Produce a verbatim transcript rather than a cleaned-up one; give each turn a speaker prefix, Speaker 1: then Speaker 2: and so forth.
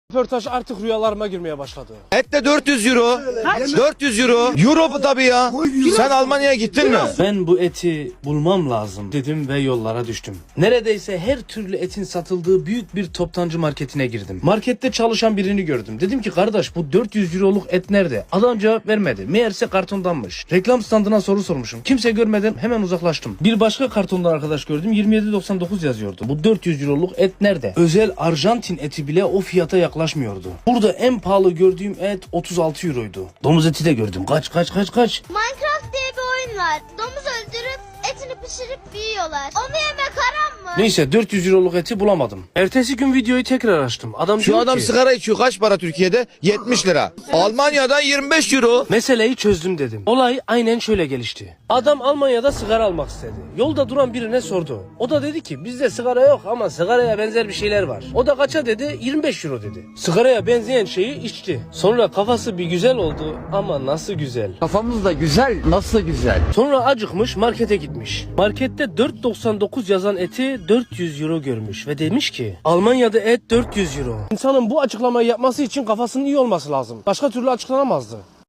Speaker 1: Röportaj artık rüyalarıma girmeye başladı.
Speaker 2: Et de dört yüz euro.
Speaker 3: Kaç?
Speaker 2: dört yüz euro. Euro bu tabii ya. Sen Almanya'ya gittin mi?
Speaker 1: Ben bu eti bulmam lazım dedim ve yollara düştüm. Neredeyse her türlü etin satıldığı büyük bir toptancı marketine girdim. Markette çalışan birini gördüm. Dedim ki kardeş bu dört yüz euroluk et nerede? Adam cevap vermedi. Meğerse kartondanmış. Reklam standına soru sormuşum. Kimse görmeden hemen uzaklaştım. Bir başka kartondan arkadaş gördüm. yirmi yedi doksan dokuz yazıyordu. Bu dört yüz euroluk et nerede? Özel Arjantin eti bile o fiyata yaklaşmıyordu. Burada en pahalı gördüğüm et otuz altı euroydu. Domuz eti de gördüm. Kaç kaç kaç kaç.
Speaker 3: Minecraft diye bir oyun var. Domuz öldürüp etini pişirip yiyorlar. Onu yemek haram mı?
Speaker 1: Neyse dört yüz euroluk eti bulamadım. Ertesi gün videoyu tekrar açtım. Adam
Speaker 2: Şu
Speaker 1: diyor
Speaker 2: adam
Speaker 1: ki,
Speaker 2: sigara içiyor. Kaç para Türkiye'de? yetmiş lira. Almanya'da yirmi beş euro.
Speaker 1: meseleyi çözdüm dedim. Olay aynen şöyle gelişti. Adam Almanya'da sigara almak istedi. Yolda duran birine sordu. O da dedi ki bizde sigara yok ama sigaraya benzer bir şeyler var. O da kaça dedi? yirmi beş euro dedi. Sigaraya benzeyen şeyi içti. Sonra kafası bir güzel oldu ama nasıl güzel.
Speaker 4: Kafamız da güzel, nasıl güzel.
Speaker 1: Sonra acıkmış markete gitmiş. Markette dört doksan dokuz yazan eti dört yüz euro görmüş ve demiş ki Almanya'da et dört yüz euro. İnsanın bu açıklamayı yapması için kafasının iyi olması lazım. Başka türlü açıklanamazdı.